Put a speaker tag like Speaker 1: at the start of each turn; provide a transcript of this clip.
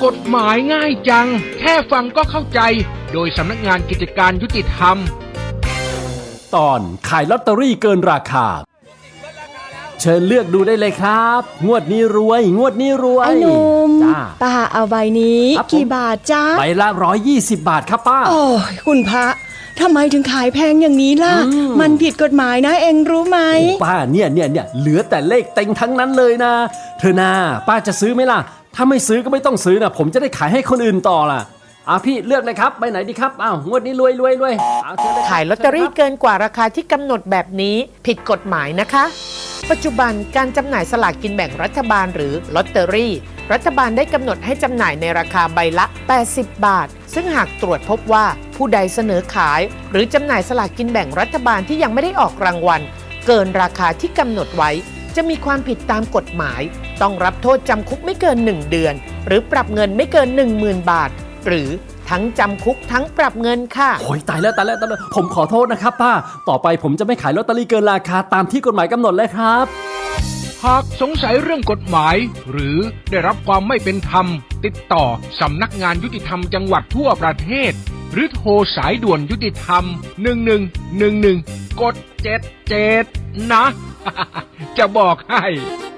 Speaker 1: กฎหมายง่ายจังแค่ฟังก็เข้าใจโดยสำนักงานกิจการยุติธรรม
Speaker 2: ตอนขายลอตเตอรี่เกินราคาเชิญเลือกดูได้เลยครับงวดนี้รวยงวดนี้รวย
Speaker 3: ไอ้หนุ่ม
Speaker 2: จ้า
Speaker 3: ป้าเอาใบนี้กี่บาทจ้า
Speaker 2: ใบละ120 บาทครับป้า
Speaker 3: โอ้ยคุณพระทำไมถึงขายแพงอย่างนี้ล่ะมันผิดกฎหมายนะเองรู้ไหม
Speaker 2: ป้าเนี่ยเหลือแต่เลขเต็งทั้งนั้นเลยนะเธอนาป้าจะซื้อไหมล่ะถ้าไม่ซื้อก็ไม่ต้องซื้อนะผมจะได้ขายให้คนอื่นต่อล่ะพี่เลือกเลยครับใบไหนดีครับงวดนี้รวย
Speaker 4: ขายลอตเตอรี่เกินกว่าราคาที่กำหนดแบบนี้ผิดกฎหมายนะคะปัจจุบันการจำหน่ายสลากกินแบ่งรัฐบาลหรือลอตเตอรี่รัฐบาลได้กำหนดให้จำหน่ายในราคาใบละ80 บาทซึ่งหากตรวจพบว่าผู้ใดเสนอขายหรือจำหน่ายสลากกินแบ่งรัฐบาลที่ยังไม่ได้ออกรางวัลเกินราคาที่กำหนดไว้จะมีความผิดตามกฎหมายต้องรับโทษจำคุกไม่เกิน1 เดือนหรือปรับเงินไม่เกิน 10,000 บาทหรือทั้งจำคุกทั้งปรับเงินค่ะ
Speaker 2: โอ้ยตายแล้วผมขอโทษนะครับป้าต่อไปผมจะไม่ขายลอตเตอรี่เกินราคาตามที่กฎหมายกำหนดเลยครับ
Speaker 1: หากสงสัยเรื่องกฎหมายหรือได้รับความไม่เป็นธรรมติดต่อสำนักงานยุติธรรมจังหวัดทั่วประเทศหรือโทรสายด่วนยุติธรรม1111กด77นะ จะบอกให้